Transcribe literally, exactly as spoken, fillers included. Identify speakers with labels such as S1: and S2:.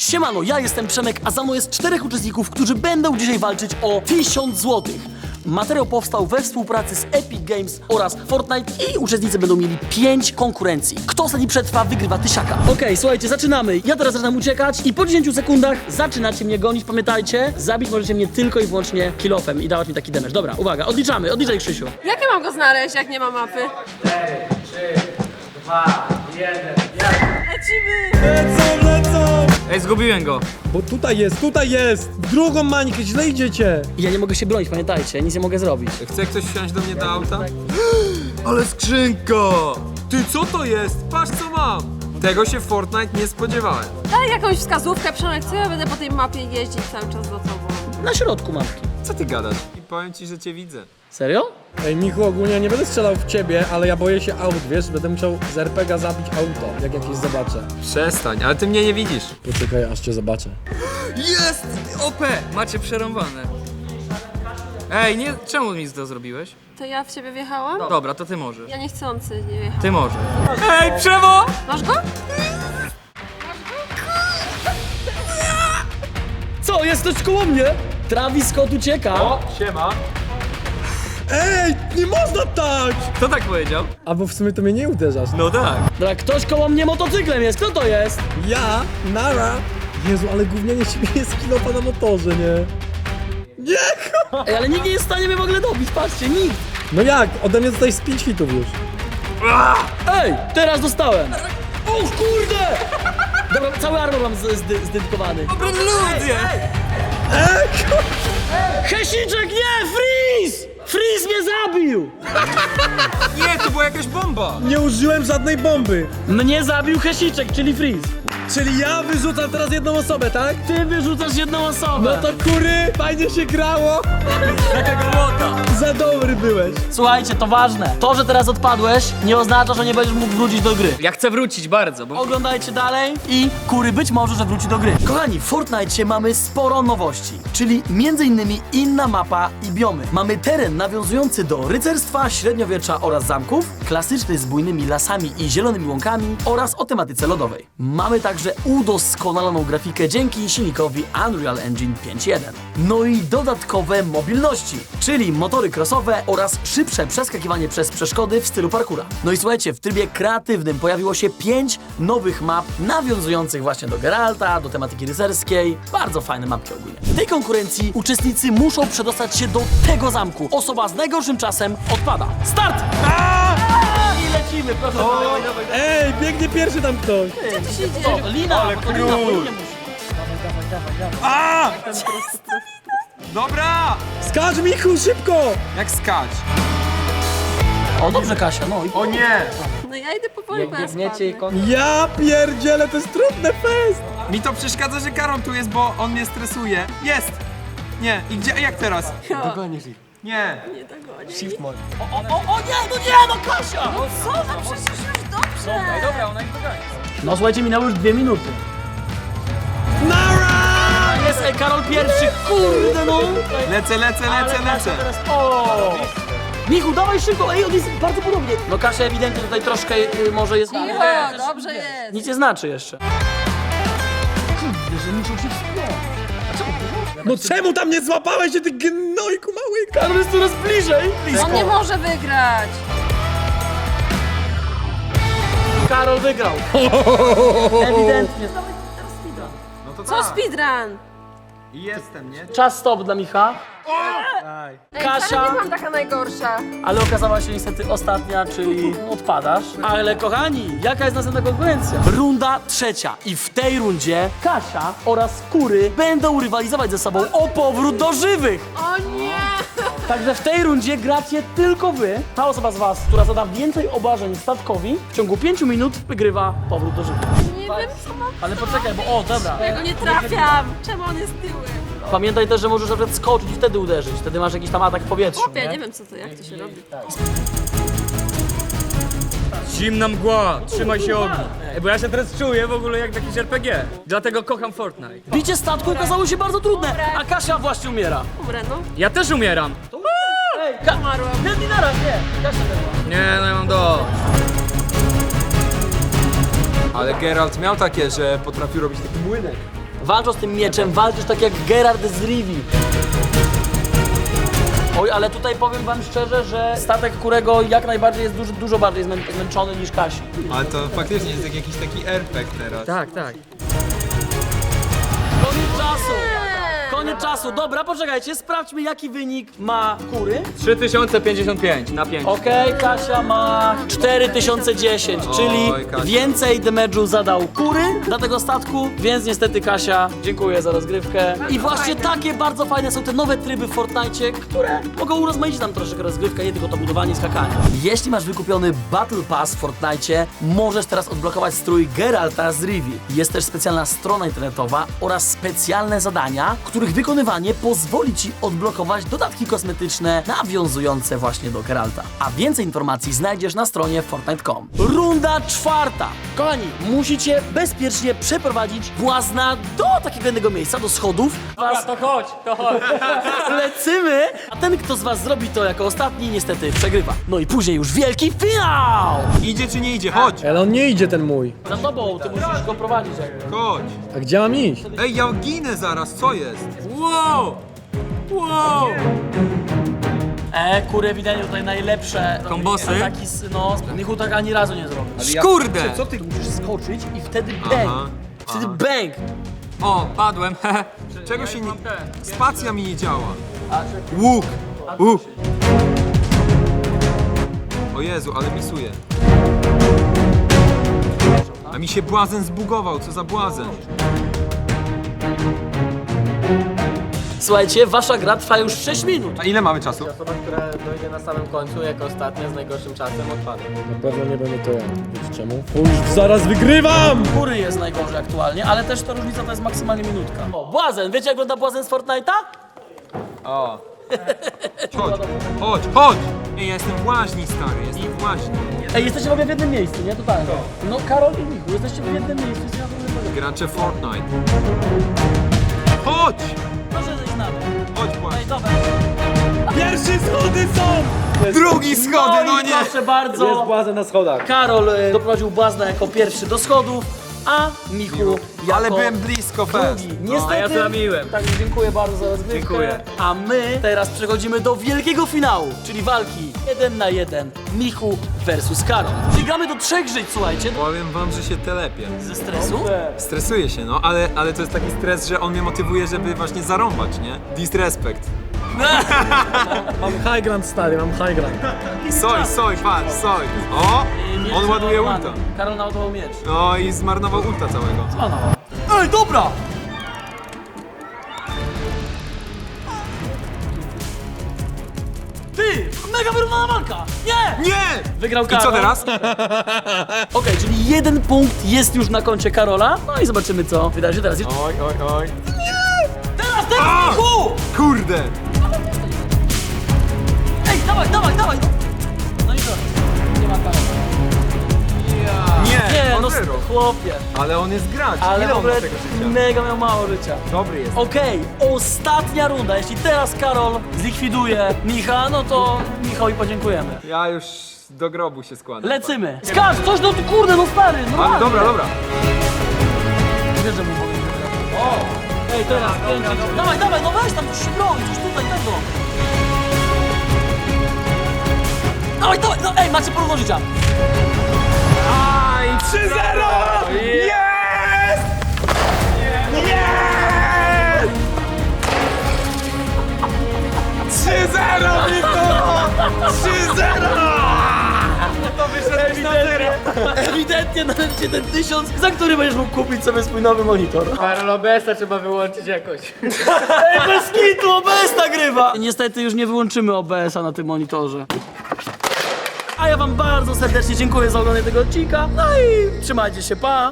S1: Siemano, ja jestem Przemek, a za mną jest czterech uczestników, którzy będą dzisiaj walczyć o tysiąc złotych. Materiał powstał we współpracy z Epic Games oraz Fortnite i uczestnicy będą mieli pięć konkurencji. Kto ostatni przetrwa, wygrywa tysiaka. Okej, okay, słuchajcie, zaczynamy. Ja teraz zaczynam uciekać i po dziesięciu sekundach zaczynacie mnie gonić. Pamiętajcie, zabić możecie mnie tylko i wyłącznie kilofem i dawać mi taki damage. Dobra, uwaga, odliczamy, odliczaj Krzysiu.
S2: Jak ja mam go znaleźć, jak nie ma mapy?
S3: cztery, trzy, dwa, jeden,
S2: Lecimy!
S4: Lecą, lecą!
S5: Ej, zgubiłem go.
S4: Bo tutaj jest, tutaj jest! W drugą mańkę, źle idziecie!
S1: I ja nie mogę się bronić, pamiętajcie, nic nie mogę zrobić.
S5: Chce ktoś wsiąść do mnie do auta? Ale skrzynka! Ty, co to jest? Patrz, co mam! Tego się w Fortnite nie spodziewałem.
S2: Daj jakąś wskazówkę, Przemek, co ja będę po tej mapie jeździć cały czas za tobą?
S1: Na środku mapki.
S5: Co ty gadasz? I powiem ci, że cię widzę.
S1: Serio?
S4: Ej, Michu, ogólnie nie będę strzelał w ciebie, ale ja boję się aut, wiesz? Będę musiał z er pe ga zabić auto, jak jakieś zobaczę.
S5: Przestań, ale ty mnie nie widzisz.
S4: Poczekaj, aż cię zobaczę.
S5: Jest! O pe! Macie przerąbane. Ej, nie, czemu mi to zrobiłeś?
S2: To ja w ciebie wjechałam?
S5: Dobra, to ty możesz.
S2: Ja niechcący nie wjechałam.
S5: Ty możesz. Ej, Przewo!
S2: Masz go?
S1: Co, jest ktoś koło mnie? Travis Scott ucieka.
S5: siema.
S4: Ej, nie można tak!
S5: Kto tak powiedział?
S4: A bo w sumie to mnie nie uderzasz.
S5: No tak.
S1: Dobra, ktoś koło mnie motocyklem jest, kto to jest?
S4: Ja, Nara. Jezu, ale gównianie siebie jest kilofa na motorze, nie? Nie!
S1: Ej, ale nikt nie jest w stanie mnie w ogóle dobić, patrzcie, nikt.
S4: No jak? Ode mnie dostałeś z pięć hitów już.
S1: Ej, teraz dostałem. O kurde! Dobra, cały armor mam z- zdy- zdedykowany.
S5: Dobra, ludzie!
S4: Ej,
S1: Hesiczek, nie! Freeze! Freeze mnie zabił!
S5: Nie, to była jakaś bomba!
S4: nie użyłem żadnej bomby.
S1: Mnie zabił Hesiczek, czyli Freeze.
S4: Czyli ja wyrzucam teraz jedną osobę, tak?
S1: Ty wyrzucasz jedną
S4: No
S1: osobę.
S4: to kury, fajnie się grało.
S1: Taka głota.
S4: Za dobry byłeś.
S1: Słuchajcie, to ważne. To, że teraz odpadłeś, nie oznacza, że nie będziesz mógł wrócić do gry.
S5: Ja chcę wrócić bardzo, bo...
S1: Oglądajcie dalej i kury być może, że wróci do gry. Kochani, w Fortnite mamy sporo nowości, czyli między innymi inna mapa i biomy. Mamy teren nawiązujący do rycerstwa, średniowiecza oraz zamków, klasyczny z bujnymi lasami i zielonymi łąkami oraz o tematyce lodowej. Mamy także udoskonaloną grafikę dzięki silnikowi Unreal Engine pięć jeden. No i dodatkowe mobilności, czyli motory crossowe oraz szybsze przeskakiwanie przez przeszkody w stylu parkoura. No i słuchajcie, w trybie kreatywnym pojawiło się pięć nowych map nawiązujących właśnie do Geralta, do tematyki rycerskiej. Bardzo fajne mapki ogólnie. W tej konkurencji uczestnicy muszą przedostać się do tego zamku. Osoba z najgorszym czasem odpada. Start! I lecimy, proszę.
S4: Ej, biegnie pierwszy tam ktoś.
S2: Gdzie tu się dzieje?
S1: O, Lina, bo to Lina, bo Linie musi.
S5: Dobra!
S4: Skacz, Michu, szybko!
S5: Jak skać?
S1: O, dobrze Kasia, no i
S5: O nie!
S2: No ja idę powoli, bo ja spadnę.
S4: Ja pierdzielę, to jest trudny fest!
S5: Mi to przeszkadza, że Karol tu jest, bo on mnie stresuje. Jest! Nie, i gdzie, jak teraz?
S4: Dogonisz ich.
S5: Nie.
S2: Nie dogonię.
S4: Shift mode.
S1: O, o, o nie, no nie, no Kasia!
S2: No co? No przecież już dobrze.
S5: Dobra, ona ich dogania.
S1: No słuchajcie, minęły już dwie minuty.
S4: Nara!
S1: Jest ej, Karol pierwszy, kurde no!
S5: Lecę, lecę,
S1: Ale
S5: lecę,
S1: Kasia
S5: lecę.
S1: teraz, o! Michu, dawaj szybko, ej, on jest bardzo podobnie. No Kasia ewidentnie tutaj troszkę y, może jest...
S2: Cicho, dobrze jest.
S1: Nic nie znaczy jeszcze. Kurde, że muszą się wspiąć. A czemu ty?
S4: No czemu tam nie złapałeś się, ty gnojku mały?
S1: Karol jest coraz bliżej.
S2: On nie może wygrać.
S1: Karol wygrał. Ewidentnie.
S5: No to
S2: Co speedrun?
S5: I jestem, nie?
S1: Czas stop dla Micha.
S2: Ej,
S1: Kasia.
S2: wcale nie mam taka najgorsza.
S1: Ale okazała się niestety ostatnia, czyli odpadasz. Ale kochani, jaka jest następna konkurencja? Runda trzecia. I w tej rundzie Kasia oraz Kury będą rywalizować ze sobą o powrót do żywych.
S2: O nie!
S1: Także w tej rundzie gracie tylko wy. Ta osoba z was, która zada więcej obrażeń statkowi, w ciągu pięciu minut wygrywa powrót do żywych.
S2: Nie wiem co mam.
S1: Ale poczekaj, bo o, dobra.
S2: Ja go nie trafiam. Czemu on jest tyłem?
S1: Pamiętaj też, że możesz na przykład skoczyć i wtedy uderzyć. Wtedy masz jakiś tam atak w powietrzu.
S2: Ja nie wiem co to, jak to się robi.
S5: Zimna mgła, trzymaj się ognia. Bo ja się teraz czuję w ogóle jak w jakimś er pe gie. Dlatego kocham Fortnite.
S1: Bicie statku okazało się bardzo trudne, a Kasia właśnie umiera.
S2: Umrę, no.
S5: Ja też umieram.
S1: Ej, Ka-
S2: Umarłam.
S1: Nie, nie naraz, nie. Kasia umiera.
S5: Nie, no ja mam do. Ale Geralt miał takie, że potrafił robić taki młynek.
S1: Walcząc tym mieczem, walczysz tak jak Geralt z Rivii. Oj, ale tutaj powiem wam szczerze, że statek Kurego jak najbardziej jest dużo, dużo bardziej zmę- zmęczony niż Kasi.
S5: Ale to faktycznie jest jak jakiś taki R P G teraz.
S4: Tak, tak.
S1: Koniec czasu! Koniec czasu. Dobra, poczekajcie, sprawdźmy jaki wynik ma Kury.
S3: trzy tysiące pięćdziesiąt pięć na pięć.
S1: Okej, Kasia ma cztery tysiące dziesięć, czyli
S5: Oj, Kasia.
S1: więcej damage'u zadał Kury dla tego statku, więc niestety Kasia, dziękuję za rozgrywkę. I właśnie takie bardzo fajne są te nowe tryby w Fortnite, które mogą urozmaicić nam troszeczkę rozgrywkę, nie tylko to budowanie i skakanie. Jeśli masz wykupiony Battle Pass w Fortnite, możesz teraz odblokować strój Geralta z Rivii. Jest też specjalna strona internetowa oraz specjalne zadania, których wykonywanie pozwoli Ci odblokować dodatki kosmetyczne nawiązujące właśnie do Geralta. A więcej informacji znajdziesz na stronie Fortnite kropka com. Runda czwarta. Kochani, musicie bezpiecznie przeprowadzić błazna do takiego jednego miejsca, do schodów.
S3: Dobra, to chodź, to chodź.
S1: Lecymy, a ten, kto z was zrobi to jako ostatni, niestety przegrywa. No i później już wielki finał!
S5: Idzie czy nie idzie? Chodź!
S4: Ale on nie idzie ten mój.
S1: Za tobą, ty musisz go prowadzić. jakby.
S5: Chodź!
S4: A gdzie mam iść?
S5: Ej, ja ginę zaraz, co jest?
S3: Wow! Wow!
S1: E, kury ewidentnie tutaj najlepsze
S3: Kombosy?
S1: ataki, z- no, Michu tak ani razu nie zrobił.
S3: Kurde!
S5: Co ty?
S1: Musisz skoczyć i wtedy bang.
S5: Aha,
S1: Wtedy bang.
S3: O, padłem.
S5: Czego się nie... Spacja mi nie działa. Łuk! Łuk! O Jezu, ale misuje. A mi się błazen zbugował, co za błazen?
S1: Słuchajcie, wasza gra trwa już sześć minut.
S5: A ile mamy czasu?
S6: Osoba, która dojdzie na samym końcu jako ostatnia z najgorszym czasem odpada.
S4: Na pewno nie będę to ja. Wiecie czemu? Bo już zaraz wygrywam!
S1: Kury jest najgorzej aktualnie, ale też ta różnica to jest maksymalnie minutka. O, błazen! Wiecie jak wygląda błazen z Fortnite'a?
S5: O. Chodź, chodź, chodź! Ej, ja jestem w łaźni, stary, jestem w łaźni.
S1: Ej, jesteście w ogóle w jednym miejscu, nie? Totalnie. No, Karol i Michu, jesteście w jednym miejscu. Jest ja w ogóle
S5: Gracze Fortnite. Chodź!
S1: Proszę zejść na dół.
S5: Chodź, właśnie.
S1: Ej, dobra.
S4: Pierwsze schody są!
S5: Drugi schody, no
S1: i
S5: nie!
S1: proszę bardzo.
S4: Jest błazen na schodach.
S1: Karol e, doprowadził błazna jako pierwszy do schodów, a Michu jako
S5: Ale byłem blisko, fest.
S1: drugi. Niestety,
S3: a ja zlamiłem.
S1: Tak, dziękuję bardzo za rozgrywkę.
S3: Dziękuję.
S1: A my teraz przechodzimy do wielkiego finału, czyli walki jeden na jeden Michu versus Karol. Czyli gramy do trzech żyć, słuchajcie,
S5: Powiem wam, że się telepię.
S1: ze stresu.
S5: Stresuję się, no, ale, ale to jest taki stres, że on mnie motywuje, żeby właśnie zarąbać, nie? Disrespect.
S4: Mam high ground, stary, mam high ground.
S5: Soj, soj, patrz, soj. O!
S1: Miecz
S5: On ładuje
S1: załadowany.
S5: ulta.
S1: Karol naładował miecz.
S5: No i zmarnował ulta całego.
S1: Ano. Ej, dobra! Ty! Mega wyrównana walka! Nie!
S5: Nie!
S1: Wygrał
S5: I
S1: Karol.
S5: co teraz?
S1: Okej, czyli jeden punkt jest już na koncie Karola. No i zobaczymy, co wydarzy się teraz.
S3: Oj, oj, oj.
S1: Teraz, teraz,
S5: A!
S1: Michu!
S5: Kurde!
S1: Ej, dawaj, dawaj, dawaj! No i co? Nie ma Karola.
S5: Nie,
S1: Nie,
S5: on
S1: no
S5: wyrósł.
S1: chłopie.
S5: Ale on jest gracz.
S1: Ale
S5: Ile
S1: w
S5: on ma
S1: ogóle
S5: tego życia?
S1: mega miał mało życia.
S5: Dobry jest.
S1: Okej, ostatnia runda. Jeśli teraz Karol zlikwiduje Micha, no to Michałowi podziękujemy.
S5: Ja już do grobu się składam.
S1: Lecymy. Skacz, coś no kurde, no stary, no
S5: Ale dobra, dobra.
S1: Wiesz, że mu powiem, że gra. O! Ej, teraz kręcić. Dawaj, dawaj, no weź tam coś broń, coś tutaj tego. Dawaj, dawaj, no ej, macie porówno życia.
S5: Aj, trzy zero! Jest! Jest! trzy zero, Miko! trzy zero! To wyszedłeś na zero!
S1: Ewidentnie nawet cię ten tysiąc, za który będziesz mógł kupić sobie swój nowy monitor.
S6: Karol, O B S-a trzeba wyłączyć jakoś.
S1: Ej, bez kitu, O B S nagrywa! Niestety już nie wyłączymy O B S-a na tym monitorze. A ja wam bardzo serdecznie dziękuję za oglądanie tego odcinka. No i trzymajcie się, pa!